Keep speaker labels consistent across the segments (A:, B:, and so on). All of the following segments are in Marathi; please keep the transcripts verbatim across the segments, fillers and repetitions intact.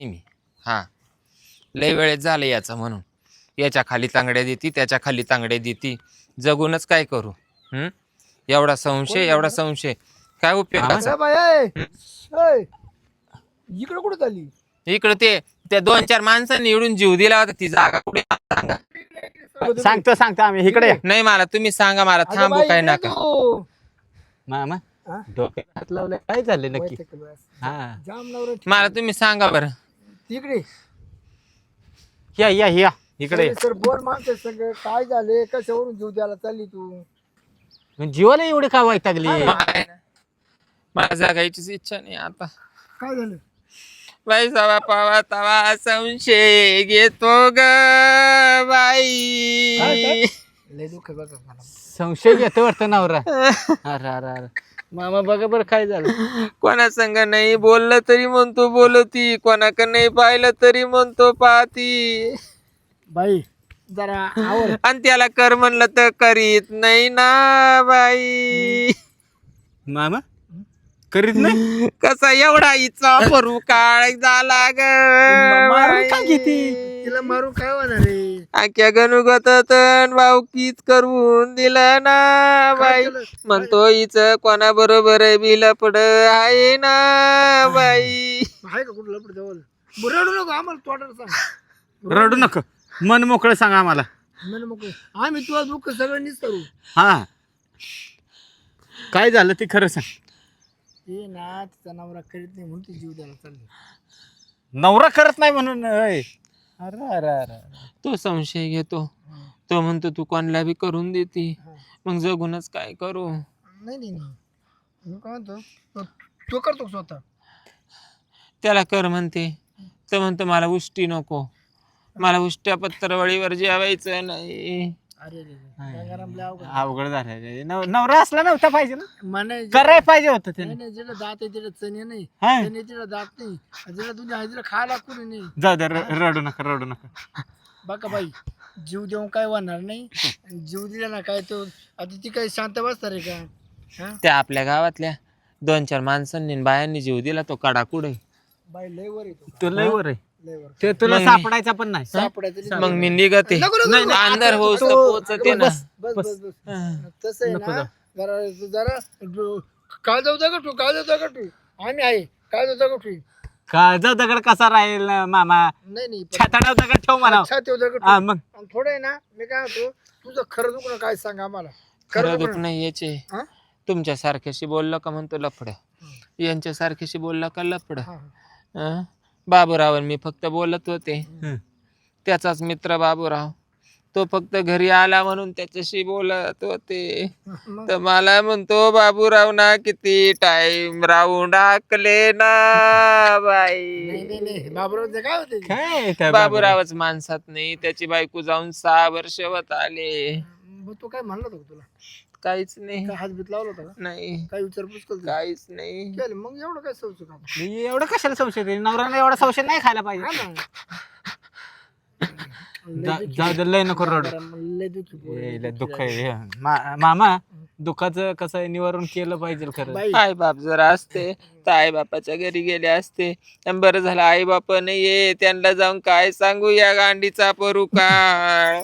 A: मी हा लय वेळेत झालं याचं म्हणून याच्या खाली तांगड्या देती त्याच्या खाली तांगड्या देती जगूनच काय करू हम्म एवढा संशय एवढा संशय काय उपयोगाचा
B: इकडे कुठे चालली
A: इकडे ते त्या दोन चार माणसांनी निवडून जीव दिला होता ती जागा कुठे सांगा
C: सांगतो सांगतो आम्ही इकडे या.
A: नाही मला तुम्ही सांगा मला
B: अगं
A: थांबू
B: बाई,
A: काय
B: इकडे
A: नका
B: तू.
C: मामा
B: हा?
C: डोक्यात हात लावलाय काय झालं नक्की
B: वैताग केलं.
C: हा
B: जाम नवरा
A: मला तुम्ही सांगा बरं
B: तिकडे
C: या या या इकडे या.
B: सर बोर माणसं सगळं काय झाले कशावरून जीव द्यायला चालली तू
C: जीवाला एवढी का वैतागली
A: मला जगायचीच इच्छा नाही आता
B: काय झालं
A: बाई सवा पावा तवा संशय घेतो ग
B: काय,
A: बाई
B: काय? लय दुःख आहे बघा मला
C: संशय घेतो वाटतं नवरा अरे अरे अरे मामा बघा बरं काय झालं
A: कोणा संग नाही बोललं तरी म्हणतो बोलती कोणाक नाही पाहिलं तरी म्हणतो पाहती
B: बाई जरा आवर
A: आणि त्याला कर म्हणलं तर करीत नाही ना बाई
C: मामा करीत नाही
A: कसा एवढा इचा परू काळ झाला ग
C: मारून का घेती?
B: तिला मारून काय होणार रे
A: आख्या गणुगत तन भाऊकीच करून दिलं ना बाई
B: केलं?
A: म्हणतो हिच कोणा बरोबर बिलपड आहे ना बाई
B: आहे का कुठं लपड जवळ रडू नको आम्हाला तोटाला सांग
C: रडू नका मन मोकळं सांगा आम्हाला
B: म्हणे मग आम्ही तुला दुःख सगळं निसरू
C: हा काय झालं ते खरं सांग
B: ते ना तिचा नवरा करीत नाही म्हणून ती जीव द्यायला चालली
C: नवरा करत नाही म्हणून अय. अरे अरे अरे
A: तो संशय घेतो तो म्हणतो तू कोणाला बी करून देते
B: हा.
A: मग जगूनच काय करू
B: नाही नाही नाही मी काय म्हणतो तो- तो करतो का स्वतः
A: त्याला कर म्हणते तर म्हणतो मला उष्टी नको मला उष्ट्या पत्रवळीवर जेवायचं नाही
B: अरे रे रे गंगाराम लय अवघड.
C: अवघड झालं नव- नवरा असला नव्हता पाहिजे ना
B: म्हणे जे-
C: करायला पाहिजे होतं
B: नाही
C: त्याने
B: नाही जिला दात आहे तिला चणे नाही
C: हा.
B: चणे तिला दात नाही जिला तुझ्या हजेरा खायला कुणी नाही
C: जाऊ दे र- रडू नका रडू नका
B: बघा बाई जीव देऊन काय होणार नाही जीव दिला ना काय तो आता ती काही शांत बसणार आहे का हा
A: त्या आपल्या गावातल्या दोन चार माणसांनी आणि बायांनी जीव दिला तो कडा कुठे
B: बाई लय वर येतो
C: तो लय वर आहे
B: लय वर
C: ते तुला
A: मग मी-
C: सापडायचा पण नाही
B: सापडायचं
A: मग मी निघते
B: नको, नको, नको.
A: अंधार होऊस तर
B: तो-
A: पोचते ना
C: बस.
B: बस बस बस
A: हा.
B: तसं आहे
C: नको
B: ना
C: जाऊ.
B: जरा जरा जो- काय जाऊ का तू काय जाऊ का तू आम्ही आहे काय जाऊ का तू
C: काळजा दगड कसा राहील मामा
B: नाही नाही पण-
C: छाताडा दगड ठेव म्हणा
B: अच्छा तेव दगड
C: हा मग
B: आणि थोडं आहे ना मी काय म्हणतो तुझं खरं दुखणं काय सांग आम्हाला
A: खरं
B: दुखणं.
A: दुख नाही याचे
B: हा?
A: तुमच्या सारख्याशी बोललं का म्हणतो लफड यांच्या सारख्याशी बोलला का लफड
B: हा, हा.
A: अं? बाबूराव मी फक्त बोलत होते
C: हं.
A: त्याचाच मित्र बाबूराव तो फक्त घरी आला म्हणून त्याच्याशी बोलत होते
B: मग
A: तर मला म्हणतो बाबूराव ना किती टाइम राहून टाकले ना
B: नाही
A: बाई
B: नाही नाही बाबूराव काय होते
C: काय त्या
A: बाबूरावच माणसात नाही त्याची बायको जाऊन सहा वर्ष होत आले
B: मग तो काय म्हणला होता का तुला
A: काहीच नाही
B: काय हात बीत लावला होता का
A: नाही
B: काय विचारपूस करतो
A: काहीच नाही
B: केलं मग एवढं काय सोचू का
C: बाबूराव? एवढं कशाला संशय देईल? नवऱ्याला एवढा संशय नाही खायला पाहिजे
B: हा ना
C: जा- जाऊ दे लय नको रडू
B: लय दुखी पोर आहे,
C: ए, लय
B: दुखी
C: दुःख
B: आहे.
C: आहे हे. मा- मामा दुःखाचं कसं आहे निवारण केलं पाहिजे खरं
B: बाई
A: आई बाप जर असते तर आई बापाच्या घरी गेले असते आणि बरं झालं आई बाप नाहीये त्यांना जाऊन काय सांगू या गांडीचा परू काळ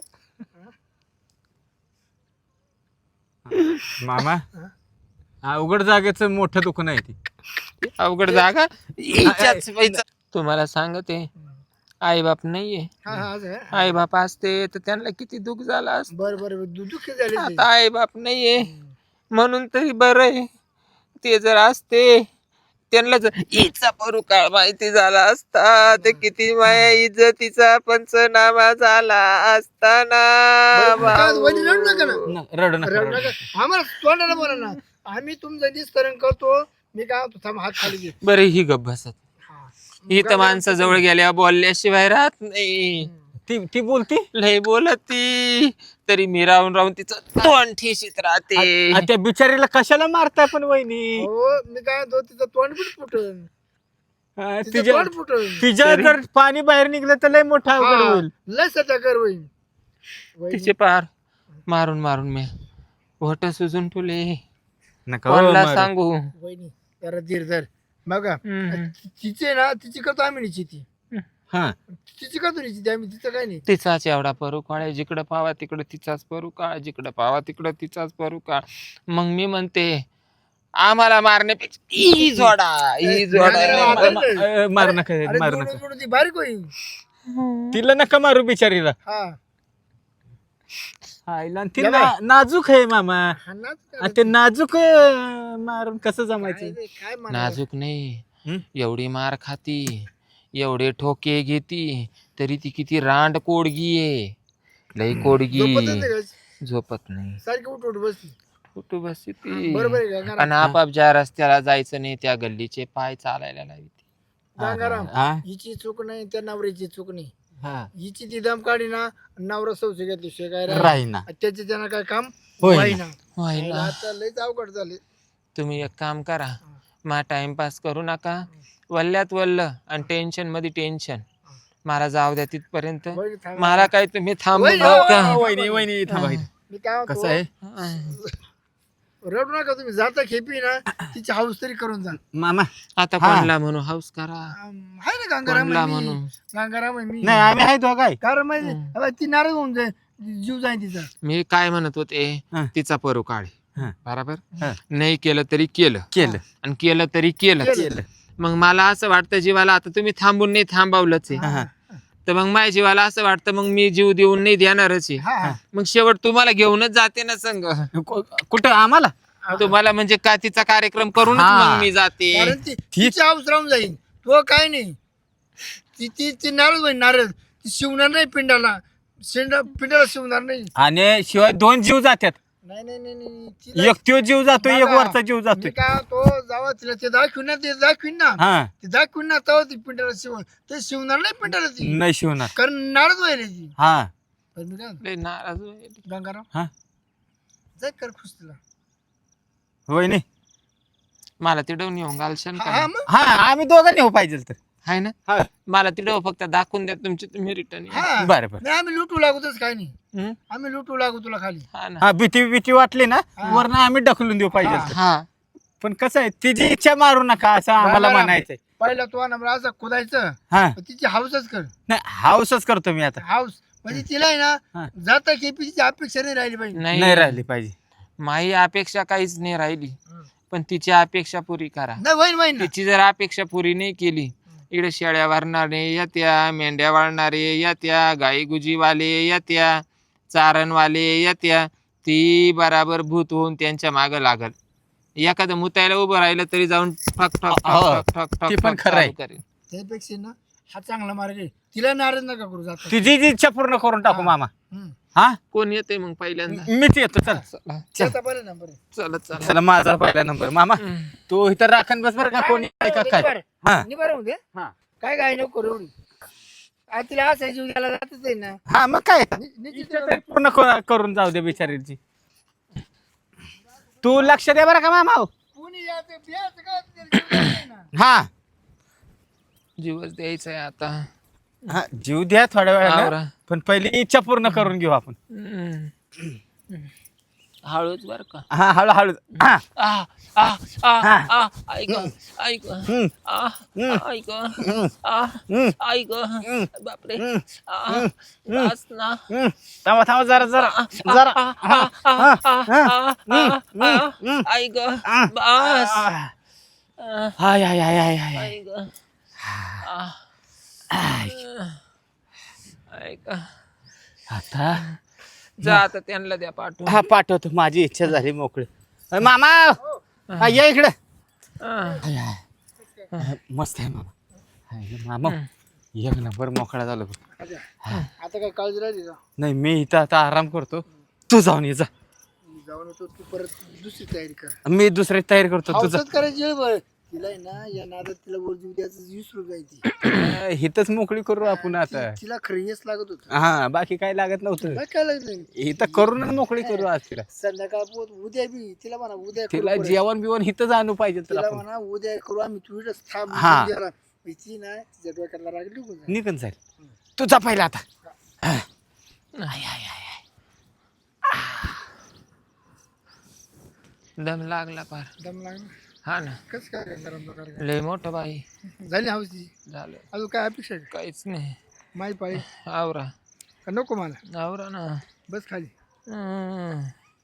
C: मामा अवघड जागेचं मोठं दुःख नाही ती
A: अवघड जागा हिच्याच पैसा. तुम्हाला सांगते आई बाप नाहीये
B: हा हा असं आहे.
A: आई बाप असते तर त्यांना किती दुःख झालं असतं
B: बरं बरं बरं. दु- दुःखी झाले ते.
A: आता आई बाप नाहीये म्हणून तरी बरं आहे ते जर असते त्यांना जर हिचा परू काळ माहिती झाला असता ते किती माया इज्जतीचा पंचनामा झाला असताना
B: बरं, काय वहिनी रडू नका ना
C: न- रडू नका
B: रडू
C: रडू
B: नका आम्हाला तोंडाला बोला ना आम्ही तुमचं निस्तरण करतो मी काय होतो थांब हात खाली घे
A: बरं ही गप बसत
B: हा.
A: ही तर माणसाजवळ गेल्या बोलल्याशिवाय राहत नाही
C: ती ती बोलती
A: लय बोलत ती तरी मी राहून राहून तिचं तोंड ठेशीत राहते
C: आ, त्या बिचारीला कशाला मारताय पण वहिनी
B: हो मी काय म्हणतो तिचं तोंड पण फुटन
C: आ,
B: तिचं
C: तिच्या
B: तोंड फुटन
C: तिच्या जर पाणी बाहेर निघलं तर लय मोठा अवघड
B: हा,
C: होईल
B: लय सध्या कर वहीन वहिनी,
A: तिचे पार मारून मारून मी होट सुजून ठेवले
C: नका
A: कोणाला
C: मारू.
A: सांगू
B: वहिनी जरा धीर धर बघा
A: हम्म.
B: तिचे ना तिची करतो आम्ही ती
A: हम्म.
C: हा
B: तिची का तुझी ती आम्ही तिचं काय नाही.
A: तिचाच एवढा परू काळ जिकडं पावा तिकडं तिचाच परू काळ जिकडं पावा तिकडं तिचाच परू काळ. मग मी म्हणते आम्हाला मारण्यापेक्षा ही जोडा ही जोडा
B: नांगराला
A: नाही
B: आता-
A: मा-
C: अ, मारू नका
B: अरे
C: मारू
B: जोडून
C: नका
B: जोडून ती बारीक होईल.
C: तिला नका मारू बिचारीला.
B: हा
C: आईला आणि ती
B: या
C: ना-
B: बाई.
C: नाजूक आहे मामा.
B: हा नाच
C: आ,
B: करायचं.
C: ते नाजूक अ, मारून कसं
B: काय
C: जमायचं.
B: रे, काय म्हणावं?
A: नाजूक नाही
C: हं?
A: एवढी मार खाती एवढे ठोके घेती तरी ती किती रांड कोडगी आहे. लई कोडगी
B: झोपतच नाही का?
A: झोपत नाही
B: सारखी उठ उठ बसती.
A: कुठं बसते ती
B: बरोबर आहे का
A: आणि
B: गंगाराम?
A: आपाप ज्या रस्त्याला जायचं नाही त्या गल्लीचे पाय चालायला लावी
B: गंगाराम
C: हा?
B: हिची चूक नाही त्या नवऱ्याची चूक नाही.
C: हा.
B: हिची ती दम काढी ना नवरा सौसे घेतली शेगाय
C: राहीना.
B: त्याचे त्यांना काय काम
C: होईना.
B: होईना.
A: व्हायला
B: आता लयच अवघड झाले.
A: तुम्ही एक काम करा मा टाइमपास करू नका वल्ल्यात वल्ल आणि टेन्शन मध्ये टेन्शन मला जाऊ द्या तिथपर्यंत
B: वहिनी थांबा.
A: मला काय तुम्ही थांबू
B: वहिनी,
A: नका
C: वहिनी वहिनी थांबा इथं.
B: मी काय म्हणतो,
C: कसं आहे
B: रडू नका तुम्ही जाता खेपी ना तिची हाऊस तरी करून जा.
C: मामा.
A: आता
C: हा.
A: कोणला म्हणू हाऊस करा
B: आम, आहे ना गंगाराम
A: कोणला
B: आहे मी.
A: म्हणू
B: गंगाराम आहे मी.
C: नाही आम्ही आहे तो काय.
B: कारण माहिती आता ती नाराज होऊन जाईल, जीव जाईल तिचा.
A: मी काय म्हणत होते
C: हा.
A: तिचा परू काढ
C: हा.
A: बरोबर
C: हा.
A: नाही केलं तरी केलं
C: केलं
A: आणि केलं तरी केलं
B: केलं.
A: मग मला असं वाटतं जीवाला आता तुम्ही थांबून नाही थांबवलंच आहे
C: हा, हा.
A: तर मग माझ्या जीवाला असं वाटतं मग मी जीव देऊन नाही देणारच आहे
B: हा हा.
A: मग शेवट तुम्हाला घेऊनच जाते ना संग
C: कु- कुठं आम्हाला.
A: तुम्हाला म्हणजे का तिचा कार्यक्रम करूनच
C: हा.
A: मग मी जाते
B: कारण ती तिची हाऊस राहून जाईल. तो काय नाही ती ती ती नाराज होईल नाराज. ती शिवणार नाही पिंडाला शेंडा पिंडाला शिवणार नाही.
C: आणि शिवाय दोन जीव जातात.
B: नाही नाही नाही नाही तिला-
C: एक त्यो जीव जातो एक
B: बघा,
C: वरचा जीव जातो.
B: मी काय तो जावा तिला ते दाखवीन ना ते दाखवीन ना
C: हा
B: ते दाखवीन ना तेव्हा ती पिंडाला शिव ते शिवणार नाही पिंडाला ती
C: नाही शिवणार.
B: कारण नाराज व्हायला ती.
C: हा
B: पण मी काय म्हणतो,
A: लय नाराज होईल.
B: गंगाराम
C: हा
B: जाय कर खुश तिला.
C: होय नाही.
A: मला तिडवून येऊन घालशाल
B: हा
A: का
B: मग
C: हा आम्ही दोघं नेऊ पाहिजे तर.
A: हाय ना
C: हा
A: मला तिडव फक्त दाखवून द्या तुमची तुम्ही रिटर्न
B: हा
C: बरं बरं.
B: नाही आम्ही लुटू लागूतच काय नाही. आम्ही लुटू लागू तुला खाली.
A: हा ना
C: हा भीती भीती वाटली ना
B: हा.
C: वरनं आम्ही ढकलून देऊ पाहिजे तर.
A: हा
C: पण कसं आहे तिची इच्छा मारू नका असं आम्हाला
B: गंगाराम,
C: म्हणायचंय.
B: पहिला तो नंबर असा खोदायचं
C: हा
B: पण तिची हाऊसच कर.
C: नाही हाऊसच करतो मी आता.
B: हाऊस म्हणजे तिला आहे
C: हा.
B: ना जाता केपीची अपेक्षा नाही राहिली पाहिजे.
C: नाही
A: नाही
C: राहिली पाहिजे.
A: माही अपेक्षा काहीच नाही राहिली पण तिची अपेक्षा पुरी करा
B: नाही वहीन वहीन ना.
A: तिची जर अपेक्षा पुरी नाही केली इकडे शेळ्या वारणारे येत्या मेंढ्या वाळणारे येत्या गाई गुजीवाले येत्या चारणवाले येत्या ती बराबर भूत होऊन त्यांच्या मागं लागल. एखादं मुतायला उभं राहिलं तरी जाऊन ठक ठक
C: हो,
A: ठक ठक ठक
C: ते
A: ठक
C: पण
A: ठक
C: खरं आहे.
A: चालू करेल.
B: त्यापेक्षा ना हा चांगला मार्ग आहे. तिला नाराज नका करू जाता.
C: तिची जी इच्छा पूर्ण करून टाकू मामा.
B: हम्म.
C: हा
A: कोण येते मग पहिल्यांदा
C: मीच येतो. चल
A: चला
B: त्याचा पहिला नंबर आहे.
A: चला चला
C: चला माझा पहिला नंबर मामा. तू इथं राखण बस बरं का कोणी आहे का काय.
B: निभार.
C: हा
B: निभार होऊ दे.
C: हा
B: काय काय नको करू एवढी. आ, तिला असं जीव द्यायला जातच आहे ना.
C: हा मग काय
B: नि- निश्चित
C: इच्छा तरी पूर्ण क- करून जाऊ दे बिचारीची. तू लक्ष दे बरं का मामा.
B: कोणी याचं बियाचं काय तिला जीव द्यायचा आहे ना.
C: हा
A: जीवच द्यायचा आहे आता
C: हा जीव द्या थोड्या वेळानं
A: आवरा.
C: पण पहिली इच्छा पूर्ण करून घेऊ आपण.
A: हम्म. हळूच बर का
C: हा हळूहळू. हा
A: आ आ आ
C: हा.
A: आ ऐक ऐक
C: हम्म,
A: आ
C: हम्म,
A: ऐक
C: हम्म,
A: आ
C: हम्म,
A: ऐक
C: हम्म,
A: बापरे
C: हम्म,
A: आ बस ना
C: हम्म. थांबा थांबा जरा जरा जरा.
A: आ, आ, आ, आ, आ, आ, आ,
C: हम्म.
A: ऐक
C: आ.
A: बस
C: आ.
A: आ,
C: हाय हाय हाय हाय हाय.
A: ऐक आ, ऐक
C: आता
A: जा आता त्यांना द्या पाठवून
C: हा पाठवतो. माझी इच्छा झाली मोकळी. अ, मामा हा, ये इकडे.
A: आ,
C: हाय, हाय. मस्त आहे मामा. हाय, मामा एक नंबर मोकळा झालो बघ.
B: अच्छा. आता काय काळजी राहिली का.
C: नाही मी इथं आता आराम करतो. तू जाऊन ये जा.
B: मी जाऊन येतो तू परत दुसरी तयारी कर.
C: मी दुसरी तयारी करतो. तुझं
B: हाऊसच करायची वेळ बरं. तिला आहे ना या नादात तिला वर जीव द्यायचं विसरू जायची.
C: हिथच मोकळी करू आपण आता.
B: तिला खरं हेच लागत होत.
C: हा बाकी काय लागत नव्हतं.
B: काय लागलं
C: इथं करूनच मोकळी करू आज तिला.
B: संध्याकाळ पोत उद्या बी तिला म्हणा उद्या करू
C: तिला
B: परत.
C: जेवण बिवण हिथंच आणू पाहिजे तर
B: तिला
C: आपण.
B: म्हणा उद्या करू आम्ही तू इथंच थांब.
C: हा.
B: उद्याला. ती ना तिच्या डोक्याला राग निघून जाईल.
C: निघून जाईल. तुझा पहिला आता.
A: दम लागला पार
B: दम लागला.
A: हा ना
B: कसं काय काय गरम प्रकार काय?
A: लय मोठं बाई
B: झाली हौस ती
A: झालं
B: अजून काय अपेक्षा आहे का?
A: काहीच नाही
B: माही पाळी
A: आवरा
B: का नको मला
A: आवरा ना
B: बस खाली
A: हम्म.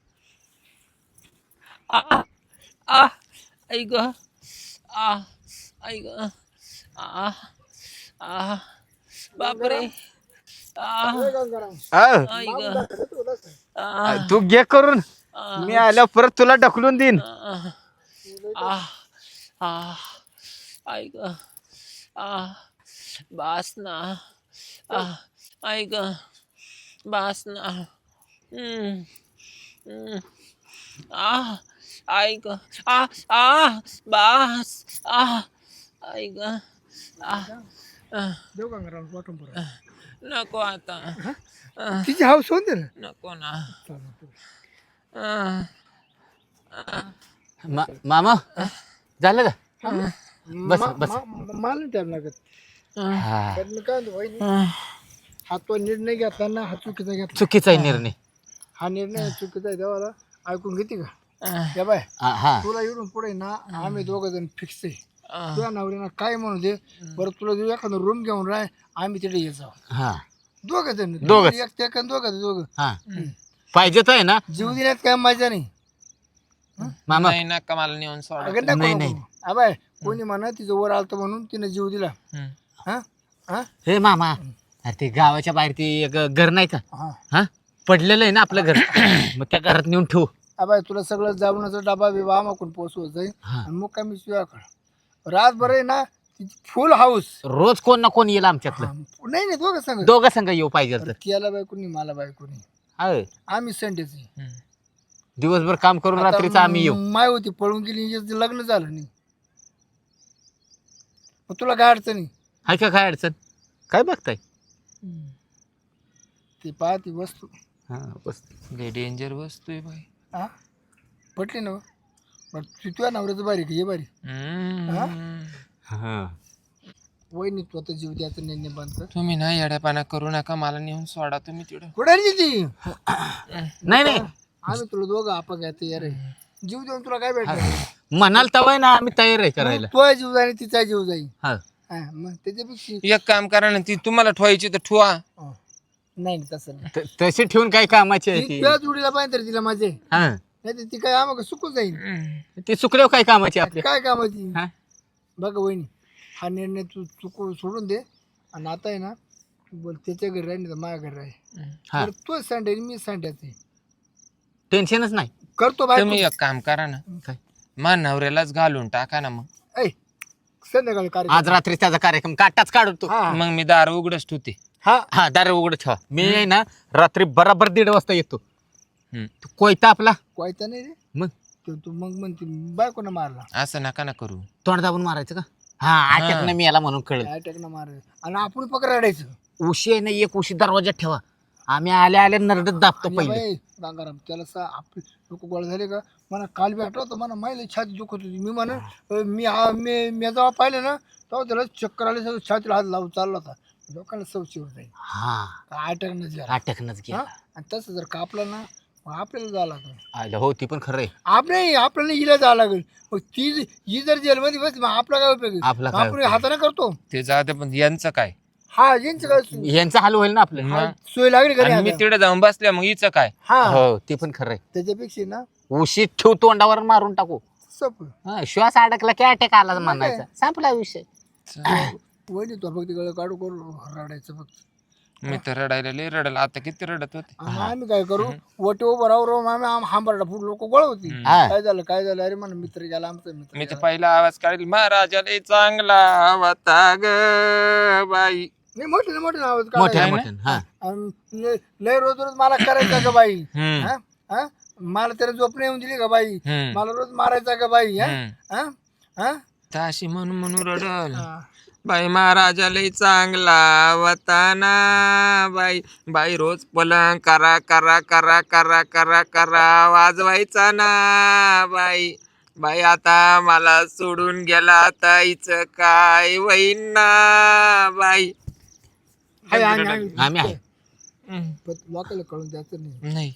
A: आ आ आ आई ग आ आई ग आ आ बापरे आ
C: अ,
A: आई ग आ
C: तू घे करून
A: आ
C: मी आल्या परत तुला ढकलून देईन
A: आ आ आ आई ग आ बास ना आ आई ग बास ना हम्म हम्म आ आई ग आ आ बास आ आई ग आ आ,
B: देऊ का गरम वाटून परत
A: नको आता आ,
B: तिची हौस होऊन दे ना
A: नको ना
B: चला तू.
A: आ,
C: मा- मामा झालं का बस,
B: मा-
C: बस.
B: मा- मा- मला नाही टाइम लागत
C: हा
B: पण मी काय म्हणतो वहिनी,
A: आ,
B: हा तो निर्णय घेतला ना हा चुकीचा घेतला
C: चुकीचा आहे निर्णय
B: हा निर्णय चुकीचा आहे देवाला ऐकून घेते का
A: आ,
B: या बाय
C: हा हा.
B: तुला इकडून पुढे ना आम्ही दोघं जण फिक्स आहे
A: आ,
B: तुझ्या नवऱ्यानं काय म्हणू दे बरं तुला जर एखादा रूम घेऊन राह आम्ही तिथे ये जाऊ
C: हा
B: दोघं जण
C: दोघंच.
B: एक ते दोघं जण, दोघं
C: हा पाहिजेच आहे ना
B: जीव देण्यात काय मजा नाही
C: मामा
A: नाही नका मला नेऊन सोडा
B: अगं नको
C: नाही,
B: नको.
C: नाही.
B: अबाय कोणी म्हणा तिचं वर आलतं म्हणून तिने जीव दिला
A: हम्म.
B: हा हा
C: हे मामा अरे ते गावाच्या बाहेर ते एक घर नाही का
B: हा
C: हा पडलेलं आहे ना आपलं घर मग त्या घरात नेऊन ठेवू
B: अबाय तुला सगळं जाऊनचा डबा बिबा आमाकून पोचवत जाईल
C: हा.
B: आणि मग काय मी तुझ्याकडं रातभर आहे ना तिची फुल हाऊस
C: रोज कोण ना कोण येईल आमच्यातलं
B: नाही नाही दोघं सांग
C: दोघं संघ येऊ पाहिजे तर
B: तिला बायकोनी मला बायकोनी
C: होय.
B: आम्ही संडेची
A: हम्म.
C: दिवसभर काम करून रात्रीचं आम्ही येऊ
B: माय होती पळून गेली हिचं लग्न झालं नाही मग तुला काय अडचण आहे?
C: हाय का काय अडचण काय बघताय
A: हम्म.
B: ती पाहती वस्तू
C: हा बस
A: लय डेंजर वस्तू आहे बाई
B: हा पटली ना बरं तू तुझ्या नवऱ्याचं बारी का ये बारी
A: हम्म.
C: हा
B: वहिनी तू आता जीव द्यायचा निर्णय बंद कर
A: तुम्ही ना येड्यापाना करू नका मला नेऊन सोडा तुम्ही तिकडं
B: कुठे आहे ती
C: नाही नाही
B: आम्ही तुला दोघं आपा घ्या तयार आहे जीव देऊन तुला काय भेटलं
C: म्हणाल तवय ना आम्ही तयार आहे करायला
B: तो जीव जाईल तिचा जीव जाईल
C: हा
B: हा, मग त्याच्यापेक्षा
A: एक काम करा ना ती तुम्हाला ठेवायची तर ठेवा
B: हा. नाही नाही, तसं नाही
C: त- तशी ठेवून काय कामाची आहे
B: ती
C: ती
B: तुझ्या जोडीला पाहिजे तर तिला माझे
C: हा
B: नाही तर ती काय आम्हाला सुकून जाईल
A: हम्म.
C: ती चुकल्यावर काय कामाची आपली
B: काय कामाची
C: हा
B: बघ वहिनी हा निर्णय तू चुकू सोडून दे आणि आता आहे ना तू बोल त्याच्या घरी राही नाही तर माझ्या घरी राही
C: हा
B: तर तो संडे मी संड्याचे
C: टेन्शनच नाही
B: करतो बाय
A: तुम्ही एक काम करा ना
C: काय
A: मा नवऱ्यालाच घालून टाका ना मग
B: ऐ संध्याकाळी कार्य
C: आज रात्री त्याचा कार्यक्रम काटाच काढतो
B: हा
A: मग मी दार उघडच ठेवते
B: हा
C: हा दार उघड ठेवा मी आहे ना रात्री बराबर दीड वाजता येतो
A: हम्म.
C: तो कोयता आपला
B: कोयता नाही रे
C: मग
B: तो तू मग म्हणते बायकोनं मारला
A: असं नका ना करू
C: तोंड दाबून मारायचं का हा अटॅक मी याला म्हणून कळलं
B: अटॅकनं मारला आणि आपण पकड रडायचं
C: उशी आहे ना एक उशी दरवाजात ठेवा आम्ही आल्या आल्या नरडत दाबतो
B: आणि
C: पहिले
B: बाई, गंगाराम त्याला सा आपले लोक गोळा झाले का मला काल बी आठवतं मला माहिती छाती दुखत होती मी म्हणा मी आ- मी मी जेव्हा पाहिलं ना तेव्हा त्याला चक्कर आले सगळं छातीला हात लावून चालला होता लोकांना सवची होत जाईल
C: हा
B: अटॅकनं झाला
C: अटॅकनच
B: हा?
C: गेला
B: आणि तसं जर कापलं ना मग आपल्याला जावं लागेल
C: आयला हो ती पण खरं आहे
B: आपल्या आपल्याला हिला जावं लागेल मग ती ज- ही जर जेलमध्ये बस मग आपला काय उपयोग आहे?
C: आपला
B: मग
C: काय
B: आपण
C: उपयोग?
B: हाताने करतो
A: ते जाऊ दे पण यांचं काय
B: हा यांचं काय सो-
C: यांचा हाल होईल ना आपलं
B: हा, सोय लागली घरी
A: आणि मी
B: आता.
A: तिकडे जाऊन बसल्या मग हिचं काय
B: हा
C: हो ते पण खरं आहे
B: त्याच्यापेक्षा ना
C: उशीत ठेव तोंडावर मारून टाकू
B: सप
C: हा, श्वास अडकला की अटॅक आला म्हणायचा संपला विषय
B: वहिनी तो फक्त गळ काढू करू रडायचं फक्त
A: मी तर रडायला लय रडला आता किती रडत होते
B: आणि आम्ही काय करू वटे उभं राहू राहून आम्ही आम- हांबरडा फुट लोक गोळ होती
C: हा.
B: काय झालं काय झालं अरे म्हणा मित्र गेला आमचा मित्र
A: मी तर
B: गेला.
A: पहिला आवाज काढेल महाराजा लय चांगला होता ग बाई
B: नाही मोठे ना मोठे आवाज
C: मोठ्या
B: काढायचा.
C: मोठ्या हा
B: आणि लय लय रोज रोज मला करायचा का बाई
A: हम्म
B: हा? हा? मला त्याला झोप नाही येऊन दिली का बाई
A: हम्म
B: मला रोज मारायचा का बाई हा?
A: हम्म.
B: हा? हा?
A: ताशी म्हणून म्हणून रडल
B: हा.
A: बाई महाराजा लय चांगला वताना बाई बाई रोज पलंग करा करा करा करा करा करा वाजवायचा ना बाई बाई आता मला सोडून गेला आता हिचं काय होईन ना बाई
B: हाय, आणि- आणि-
C: आम्ही आहे
A: हम्म.
B: पण लोकांना कळून द्यायचं नाही
A: नाही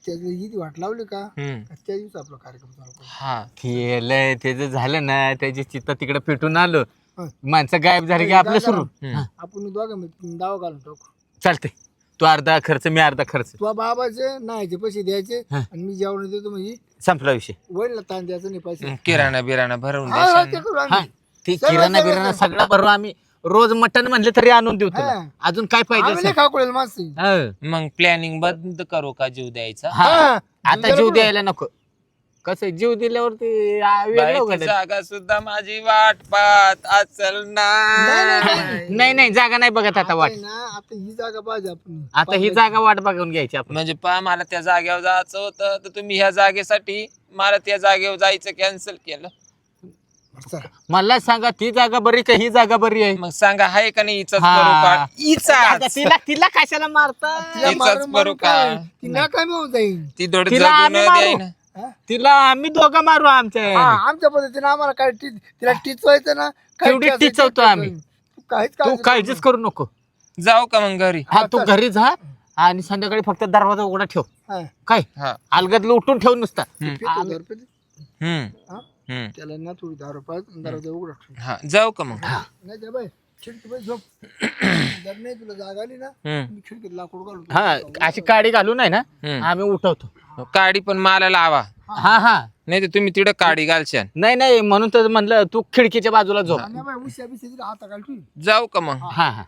B: त्याची इथे वाट लावली का
A: हम्म.
B: त्या दिवशी आपला कार्यक्रम चालू करू.
A: हा
C: केलंय त्याचं झालं ना त्याची चित्त तिकडे पेटून आलो
B: हं.
C: माणसं गायब झाली की आपलं सुरू
A: हम्म.
B: आपण दोघं मिळून दावा घालून टाकू.
C: चालते तू अर्धा खर्च मी अर्धा खर्च
B: तुझ्या बाबाचे नाहीचे पैसे द्यायचे
C: हं.
B: आणि मी जेवण देतो म्हणजे
C: संपला विषय
B: वडील ताण द्यायचं नाही पैसे.
A: किराणा बिराणा भरवून
B: हा, हा,
A: देशाल
B: ते
A: ना.
B: करू
C: हा
B: आम्ही.
C: ते
B: सगळं-
C: किराणा
B: सगळं-
C: बिराणा सगळा बरोबर आम्ही रोज मटण म्हणले तरी आणून देऊ तुला
B: हा.
C: अजून काय
B: आम्ही
C: पाहिजे
B: नाही खाकूळेल माणसं.
C: हं.
A: मग प्लॅनिंग बंद करू का जीव द्यायचा
C: हा.
B: हा.
C: आता जीव द्यायला नको कसं आहे, जीव दिल्यावरती आ, वेगळं
A: बाईची
C: उघडलं.
A: जागा सुद्धा माझी वाट पाहत अचल
B: नाही, नाही,
A: ना
C: नाही नाही जागा नाही बघत आता वाट
B: आता आहे ना, आता ही जागा पाहिजे आपण.
C: आता ही जागा वाट बघून घ्यायची आपण
A: म्हणजे पा मला त्या जागेवर जायचं होतं तर तुम्ही ह्या जागेसाठी मला त्या जागेवर जायचं कॅन्सल केलं.
B: चला.
C: मला सांगा ती जागा बरी का ही जागा बरी आहे
A: मग सांगा हाय का नाही हिचाच
C: हा.
A: करू का
C: आता
A: हिचाच
C: तिला तिला कशाला मारता
B: तिला
A: इथंच
B: मारून
A: करू
B: मारून
A: का?
B: काय? ती नाकामी होऊन जाईल.
A: ती थोडी
C: तिला
A: जगू
C: आम्ही
A: न
C: मारू.
A: द्याय ना.
B: हा?
C: तिला आम्ही दोघं मारू आमच्या
B: हा, आमच्या पद्धतीने आम्हाला काय टी- तिला टिचवायचं ना काय
C: तेवढी
B: टिचायचं
C: टिचवतो
B: ते
C: आम्ही.
B: तू काहीच
C: तू
B: काळजी
C: काळजीच करू नको
A: जाऊ का मग घरी
C: हा तू
B: चल.
C: घरी जा आणि संध्याकाळी फक्त दरवाजा उघडा ठेव
B: करू. हा.
C: काय
A: हा
C: अलगद उठून ठेव नुसता
A: हम्म.
B: पितो दारू पितो.
A: हम्म
B: हा?
A: हम्म
B: त्याला ना थोडी दारू पाहिजे दरवाजा उघडा ठेव.
A: हा जाऊ का मग
C: हा.
B: नाही त्या बाई खिडकी बाई झोप. जर नाही तुला जागा आली ना
A: हम्म
B: मी खिडकीत लाकूड घालून
C: हा अशी काडी घालू नाही ना
A: हम्म.
C: आम्ही उठवतो
A: काडी पण मला लावा
C: हा हा
A: नाही तर तुम्ही तिकडे काडी घालशाल.
C: नाही नाही म्हणून तर म्हणलं तू खिडकीच्या बाजूला झोप
B: आणि बाई उश्या बिश्या तिला हाता घाल तू.
A: जाऊ का मग
C: हा हा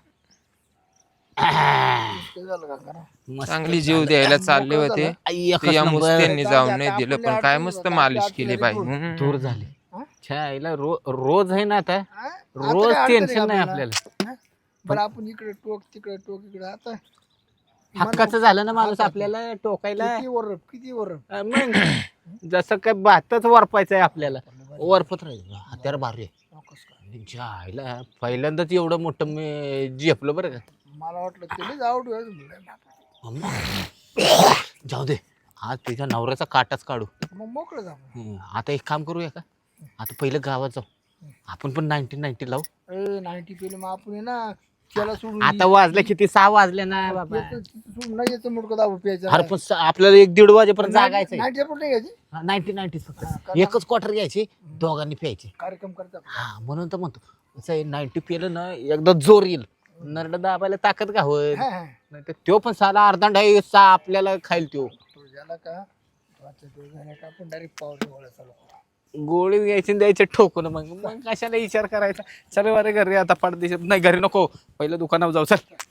B: ते झालं का करा.
C: मस्त
A: चांगली जीव द्यायला चालले होते
C: आई, एकच
A: ते या
C: नंबर.
A: मुस्त्यांनी जाऊन नाही
B: आता
A: दिलं
B: आपल्या
A: पण काय
B: अडचणी
A: मस्त
B: होतात,
A: मालिश
B: आपल्या
A: केली
B: अडचणी
A: बाई
B: दूर.
A: हम्म.
C: दूर झाली
B: हा?
C: छायला रो रोज आहे ना आता
B: हा? आता
C: रोज
B: काय अडचण
C: टेन्शन
B: आहे
C: नाही
B: आपल्याला?
C: आपल्याला
B: हा? बरं आपण इकडे टोक तिकडे टोक इकडे आता
C: हक्काचं झालं ना माणूस
B: आता-
C: आपल्याला टोकायला
B: किती वर किती वर
C: अं, मग जसं काय भातच वरपायचं आहे आपल्याला वरपत राहील हत्यार भारी आहे. जायला पहिल्यांदाच एवढं मोठं मी झेपलं बरं का
B: मला वाटलं त्यालाच आवड
C: अम्मा. जाऊ दे आज तुझ्या नवऱ्याचा काटाच काढू
B: मग मोकळं जा
C: हं, आता एक काम करूया का आता पहिलं गावात जाऊ आपण पण नाईन्टीन नाईन्टी लावू
B: ए नाईन्टी पेले मग आपण आहे ना त्याला सोडून
C: आता वाजले किती सहा वाजले ना बाबा
B: याचं- तिथं सोडून नाही याचं मुडकं दाबू प्यायचं
C: अरे पण स- आपल्याला एक दीड वाजेपर्यंत जागायचं
B: नाईन्टी पण नाही घ्यायची
C: नाईन्टी नाईन्टी फक्त एकच क्वार्टर घ्यायची दोघांनी प्यायची
B: कार्यक्रम करता
C: हा म्हणून तर म्हणतो असं नाईन्टी पिलं ना एकदा जोर येईल नरड दाबायला ताकद का होईल
B: हा हा
C: नाही तर तो पण साला अर्धा सा आपल्याला खाईल तो
B: तो झाला का तो आजचा दिवस झाला का आपण डायरेक्ट पावर गोळा चालू करू.
C: गोळी घ्यायची आणि द्यायचे ठोकून मग मग कशाला विचार करायचा चल वारे घरी आता पडदेशात नाही घरी नको पहिलं दुकानावर जाऊ चल